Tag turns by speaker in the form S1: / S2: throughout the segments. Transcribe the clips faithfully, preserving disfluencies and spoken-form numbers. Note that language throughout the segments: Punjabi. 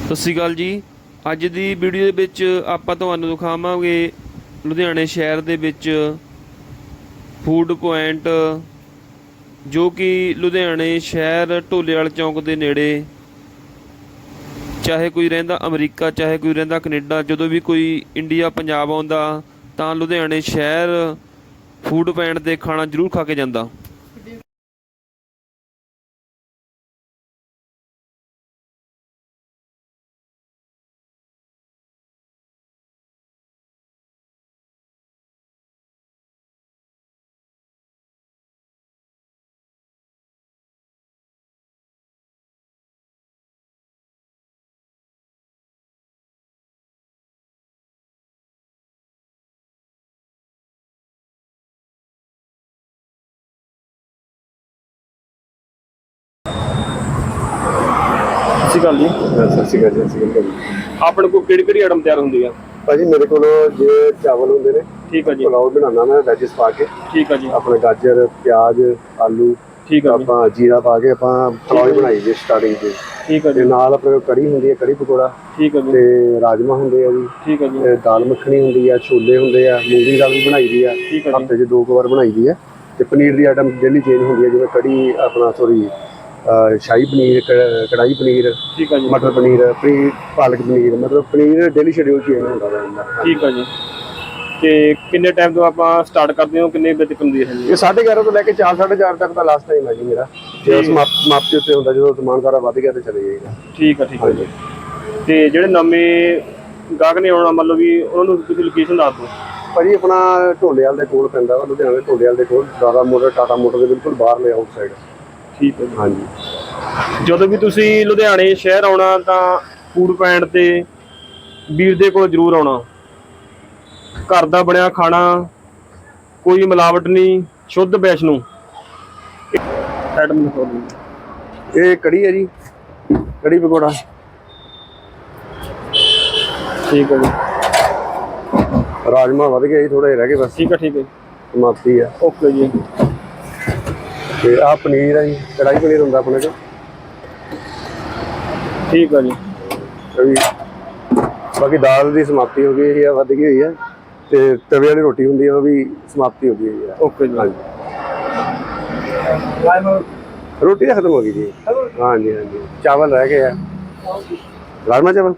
S1: ਸਤਿ ਸ਼੍ਰੀ ਅਕਾਲ ਜੀ। ਅੱਜ ਦੀ ਵੀਡੀਓ ਦੇ ਵਿੱਚ ਆਪਾਂ ਤੁਹਾਨੂੰ ਦਿਖਾਵਾਂਗੇ ਲੁਧਿਆਣੇ ਸ਼ਹਿਰ ਦੇ ਵਿੱਚ ਫੂਡ ਪੁਆਇੰਟ, ਜੋ ਕਿ ਲੁਧਿਆਣੇ ਸ਼ਹਿਰ ਢੋਲੇਵਾਲ ਚੌਂਕ ਦੇ ਨੇੜੇ, ਚਾਹੇ ਕੋਈ ਰਹਿੰਦਾ ਅਮਰੀਕਾ, ਚਾਹੇ ਕੋਈ ਰਹਿੰਦਾ ਕੈਨੇਡਾ, ਜਦੋਂ ਵੀ ਕੋਈ ਇੰਡੀਆ ਪੰਜਾਬ ਆਉਂਦਾ ਤਾਂ ਲੁਧਿਆਣੇ ਸ਼ਹਿਰ ਫੂਡ ਪੁਆਇੰਟ 'ਤੇ ਖਾਣਾ ਜ਼ਰੂਰ ਖਾ ਕੇ ਜਾਂਦਾ। ਸਤਿ ਸ਼੍ਰੀ ਅਕਾਲ ਜੀ।
S2: ਸਤਿ ਸ਼੍ਰੀ ਅਕਾਲ ਜੀ। ਸਤਿ ਸ਼੍ਰੀ ਅਕਾਲ ਜੀ।
S1: ਆਪਣੇ ਕੋਲ ਕਿਹੜੀ ਕਿਹੜੀ ਆਈਟਮ ਤਿਆਰ ਹੁੰਦੀ ਆ
S2: ਭਾਜੀ? ਮੇਰੇ ਕੋਲ ਜੇ ਚਾਵਲ ਹੁੰਦੇ ਨੇ,
S1: ਠੀਕ ਆ ਜੀ,
S2: ਪੁਲਾਓ ਬਣਾਉਣਾ ਮੈਂ ਵੈਜਿਸ ਪਾ ਕੇ,
S1: ਠੀਕ ਆ ਜੀ,
S2: ਆਪਣੇ ਗਾਜਰ, ਪਿਆਜ਼, ਆਲੂ,
S1: ਠੀਕ ਆ ਜੀ,
S2: ਆਪਾਂ ਜੀਰਾ ਪਾ ਕੇ ਆਪਾਂ ਪੁਲਾਓ ਬਣਾਈ ਜੀ ਸਟਾਰਟਿੰਗ 'ਚ।
S1: ਠੀਕ ਆ
S2: ਤੇ
S1: ਜੀ,
S2: ਨਾਲ ਆਪਣੇ ਕੋਲ ਕੜੀ ਹੁੰਦੀ ਹੈ, ਕੜੀ ਪਕੌੜਾ,
S1: ਠੀਕ ਆ ਜੀ,
S2: ਤੇ ਰਾਜਮਾ ਹੁੰਦੇ ਆ ਜੀ,
S1: ਠੀਕ ਆ ਜੀ,
S2: ਤੇ ਦਾਲ ਮੱਖਣੀ ਹੁੰਦੀ ਆ, ਛੋਲੇ ਹੁੰਦੇ ਆ, ਮੂੰਗੀ ਦਾਲ ਵੀ ਬਣਾਈ ਦੀ ਆ,
S1: ਠੀਕ ਆ ਜੀ,
S2: ਹਫ਼ਤੇ 'ਚ ਦੋ ਕੁ ਵਾਰ ਬਣਾਈ ਦੀ ਆ। ਤੇ ਪਨੀਰ ਦੀ ਆਈਟਮ ਡੇਲੀ ਚੇਂਜ ਹੁੰਦੀ ਹੈ, ਜਿਵੇਂ ਕੜੀ ਆਪਣਾ ਸੋਰੀ ਸ਼ਾਹੀ ਪਨੀਰ, ਕ- ਕੜਾਹੀ ਪਨੀਰ,
S1: ਠੀਕ ਆ ਜੀ,
S2: ਮਟਰ ਪਨੀਰ, ਪਨੀਰ ਪਾਲਕ ਪਨੀਰ, ਮਤਲਬ ਪਨੀਰ ਡੇਲੀ ਸ਼ਡਿਊਲ ਚੇਂਜ ਹੁੰਦਾ ਰਹਿੰਦਾ।
S1: ਠੀਕ ਆ ਜੀ। ਤੇ ਕਿੰਨੇ ਟਾਈਮ ਤੋਂ ਆਪਾਂ ਸਟਾਰਟ ਕਰਦੇ ਹੋ, ਕਿੰਨੇ ਵਜੇ ਤੱਕ ਹੁੰਦੀ ਹੈ ਜੀ?
S2: ਇਹ ਸਾਢੇ ਗਿਆਰਾਂ ਤੋਂ ਲੈ ਕੇ ਚਾਰ ਸਾਢੇ ਚਾਰ ਤੱਕ ਦਾ ਲਾਸਟ ਟਾਈਮ ਹੈ ਜੀ ਮੇਰਾ। ਜੇ ਸਮਾਪਤੀ ਉੱਤੇ ਹੁੰਦਾ, ਜਦੋਂ ਸਮਾਨ ਸਾਰਾ ਵੱਧ ਗਿਆ ਤੇ ਚਲੇ ਜਾਏਗਾ।
S1: ਠੀਕ ਆ, ਠੀਕ ਆ ਜੀ। ਤੇ ਜਿਹੜੇ ਨਵੇਂ ਗਾਹਕ ਨੇ ਆਉਣਾ, ਮਤਲਬ ਵੀ ਉਹਨਾਂ ਨੂੰ ਤੁਸੀਂ ਲੋਕੇਸ਼ਨ ਦੱਸ ਦਿਓ।
S2: ਭਾਜੀ ਆਪਣਾ ਢੋਲੇਵਾਲ ਦੇ ਕੋਲ ਪੈਂਦਾ ਵਾ, ਲੁਧਿਆਣੇ ਢੋਲੇਵਾਲ ਦੇ ਕੋਲ, ਦਾਦਾ ਮੋਟਰ, ਟਾਟਾ ਮੋਟਰ ਦੇ ਬਿਲਕੁਲ ਬਾਹਰਲੇ ਆਊਟ ਸਾਈਡ।
S1: ਠੀਕ ਹੈ ਜੀ।
S2: ਹਾਂਜੀ,
S1: ਜਦੋਂ ਵੀ ਤੁਸੀਂ ਲੁਧਿਆਣੇ ਸ਼ਹਿਰ ਆਉਣਾ ਤਾਂ ਫੂਡ ਪੁਆਇੰਟ ਤੇ ਵੀਰ ਦੇ ਕੋਲ ਜ਼ਰੂਰ ਆਉਣਾ। ਘਰ ਦਾ ਬਣਿਆ ਖਾਣਾ, ਕੋਈ ਮਿਲਾਵਟ ਨਹੀਂ, ਸ਼ੁੱਧ ਵੈਸ਼ਨੂੰ। ਆਈਟਮ ਦਿਖਾਓ ਜੀ।
S2: ਇਹ ਕੜੀ ਹੈ ਜੀ, ਕੜੀ ਪਕੌੜਾ।
S1: ਠੀਕ ਹੈ ਜੀ।
S2: ਰਾਜਮਾ ਵੱਧ ਗਿਆ ਜੀ, ਥੋੜੇ ਰਹਿ ਗਏ ਬਸ।
S1: ਠੀਕ ਹੈ, ਠੀਕ ਹੈ,
S2: ਸਮਾਪਤੀ ਆ।
S1: ਓਕੇ ਜੀ।
S2: ਤੇ ਆਹ ਪਨੀਰ ਹੈ ਜੀ, ਕੜਾਈ ਪਨੀਰ ਹੁੰਦਾ ਆਪਣੇ ਕੋਲ।
S1: ਠੀਕ ਹੈ ਜੀ।
S2: ਵੀ ਬਾਕੀ ਦਾਲ ਦੀ ਸਮਾਪਤੀ ਹੋ ਗਈ ਹੈ, ਵੱਧ ਗਈ ਹੋਈ ਹੈ। ਤੇ ਤਵੇ ਵਾਲੀ ਰੋਟੀ ਹੁੰਦੀ ਹੈ, ਉਹ ਵੀ ਸਮਾਪਤੀ ਹੋ ਗਈ ਹੋਈ ਹੈ।
S1: ਓਕੇ ਜੀ।
S2: ਹਾਂਜੀ, ਰੋਟੀ ਤਾਂ ਖਤਮ ਹੋ ਗਈ ਜੀ। ਹਾਂਜੀ ਹਾਂਜੀ, ਚਾਵਲ ਰਹਿ ਗਏ ਆ, ਰਾਜਮਾ ਚਾਵਲ।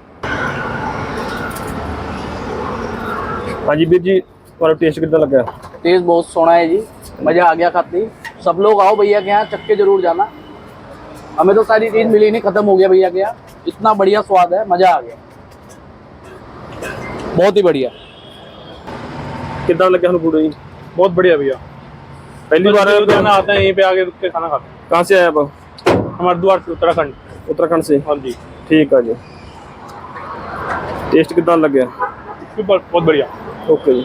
S1: हाँ जी वीर जी, तुम्हारा टेस्ट कितना लगा?
S3: टेस्ट बहुत सोना है जी, मज़ा आ गया खाते ही। सब लोग आओ भैया के यहाँ, चख के जरूर जाना। हमें तो सारी चीज़ मिली नहीं, खत्म हो गया भैया के यहाँ। इतना बढ़िया स्वाद है, मज़ा आ गया, बहुत ही बढ़िया।
S1: कितना लगा हमें फूड जी?
S4: बहुत बढ़िया भैया।
S1: पहली बार
S4: लुधियाना आते हैं, यहीं पे आके रुक के खाना खाते हैं।
S1: कहाँ से आए आप?
S4: हम हरिद्वार से, उत्तराखंड।
S1: उत्तराखंड से?
S4: हाँ जी।
S1: ठीक है जी। टेस्ट कितना लग गया?
S4: बहुत बढ़िया।
S1: ओके जी।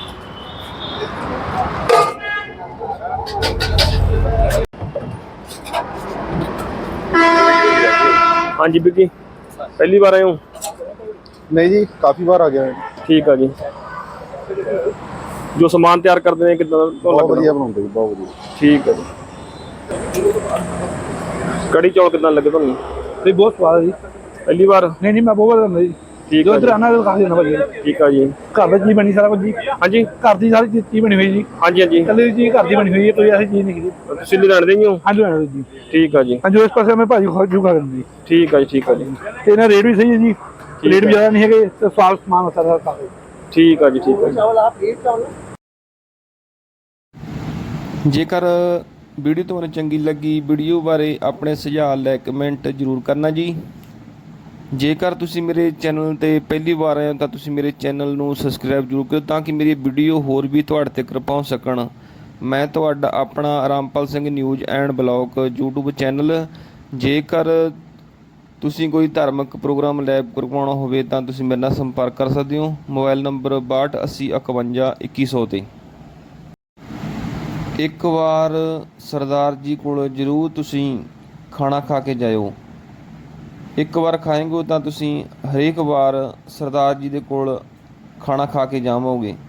S1: हाँ जी बिकी, पहली बार आए हो?
S2: नहीं जी, काफी बार आ गया है।
S1: ठीक है जी। जो सामान तैयार करते हैं कितना
S2: बहुत बढ़िया बनाते हैं, बहुत बढ़िया।
S1: ठीक है जी। कड़ी चौल कितना लगे तुम?
S4: नहीं बहुत स्वाद है जी।
S1: पहली बार?
S4: नहीं नहीं, मैं बहुत बार जी।
S1: ठीक
S4: जो
S1: है
S4: इधर
S1: जी।
S4: आना तो काफी ना भाई।
S1: ठीक है जी।
S4: घर में चीज बनी सारा कुछ जी।
S1: हाँ जी,
S4: घर की सारी चीज बनी हुई जी।
S1: हाँ जी, हाँ जी।
S4: कल चीज घर की बनी हुई है, कोई ऐसी चीज नहीं है।
S1: ਤੁਸੀਂ ਲੁਧਿਆਣੇ ਦੇ ਹੀ ਹੋ?
S4: हाँ जी जी।
S1: ठीक है जी।
S4: हाँ जो इस पास में भाजी खा जू खा करनी।
S1: ठीक है जी, ठीक है जी,
S4: तो इन्हें रेट भी सही है जी, रेट भी ज्यादा नहीं है, तो स्वाद सामान होता है काफी।
S1: ठीक है जी, ठीक है जी। ਜੇਕਰ ਵੀਡੀਓ ਤੁਹਾਨੂੰ ਚੰਗੀ ਲੱਗੀ, ਵੀਡੀਓ ਬਾਰੇ ਆਪਣੇ ਸੁਝਾਅ ਲੈ ਕਮੈਂਟ ਜ਼ਰੂਰ ਕਰਨਾ ਜੀ। ਜੇਕਰ ਤੁਸੀਂ ਮੇਰੇ ਚੈਨਲ ਤੇ ਪਹਿਲੀ ਵਾਰ ਆਏ ਹੋ ਤਾਂ ਤੁਸੀਂ ਮੇਰੇ ਚੈਨਲ ਨੂੰ ਸਬਸਕ੍ਰਾਈਬ ਜ਼ਰੂਰ ਕਰੋ, ਤਾਂ ਕਿ ਮੇਰੀ ਵੀਡੀਓ ਹੋਰ ਵੀ ਤੁਹਾਡੇ ਤੱਕ ਪਹੁੰਚ ਸਕਣ। ਮੈਂ ਤੁਹਾਡਾ ਆਪਣਾ Rampal Singh news and blog YouTube channel. ਜੇਕਰ ਤੁਸੀਂ ਕੋਈ ਧਾਰਮਿਕ ਪ੍ਰੋਗਰਾਮ ਲਾਈਵ ਕਰਵਾਉਣਾ ਹੋਵੇ ਤਾਂ ਤੁਸੀਂ ਮੇਰੇ ਨਾਲ ਸੰਪਰਕ ਕਰ ਸਕਦੇ ਹੋ। ਮੋਬਾਈਲ ਨੰਬਰ ਬਾਹਠ ਅੱਸੀ ਇਕਵੰਜਾ ਇੱਕੀ ਸੌ 'ਤੇ। ਇੱਕ ਵਾਰ ਸਰਦਾਰ ਜੀ ਕੋਲ ਜ਼ਰੂਰ ਤੁਸੀਂ ਖਾਣਾ ਖਾ ਕੇ ਜਾਇਓ। ਇੱਕ ਵਾਰ ਖਾਏਂਗੇ ਤਾਂ ਤੁਸੀਂ ਹਰੇਕ ਵਾਰ ਸਰਦਾਰ ਜੀ ਦੇ ਕੋਲ ਖਾਣਾ ਖਾ ਕੇ ਜਾਵੋਗੇ।